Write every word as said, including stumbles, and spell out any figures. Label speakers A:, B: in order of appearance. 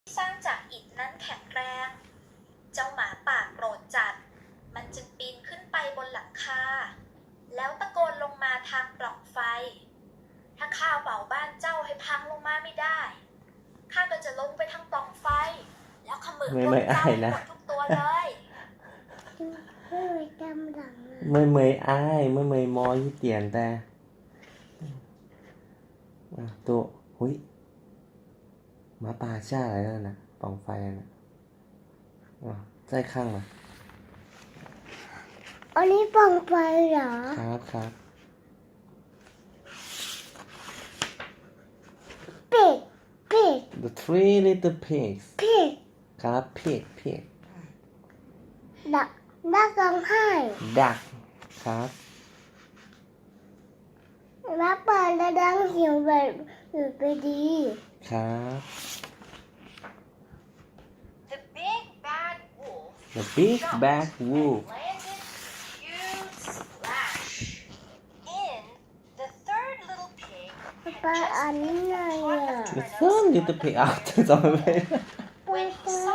A: สร้างจากอิฐนั้นแข็งแรง เจ้าหมาป่าโกรธจัดมันจึงปีนขึ้นไปบนหลังคาแล้วตะโกนลงมาทางปล่องไฟถ้าข้าเป่าบ้านเจ้าให้พังลงมาไม่ได้ข้าก็จะลงไปทางปล่องไฟแล้วขมือพวกเจ้าหมดทุกตัวเลย
B: ไม่ไม่จำหลัง
C: ไม่เมยอ้ายไม่เมยมอยี่เตียนแต่ตัวหุยหมาป่าช่าอะไรนั่นนะปล่องไฟนะใจข้างมา
B: อันนี้ปล่องไฟเหรอ
C: ครับครับ
B: pig pig
C: the three little pigs
B: pig
C: ครับ pig pig
B: ดักดักร้องไห้
C: duck ครับ
B: แล้วเปิดแล้วดังเสียงแบบอยู่ไปดี
C: ครับ
A: The big bad wolf
C: the big bad wolf
A: landed huge splash in the third little pig
B: ปลาอันนี้ไงอ่ะ
C: the third little pig อ้าวจะจำไม่ได้
A: when he saw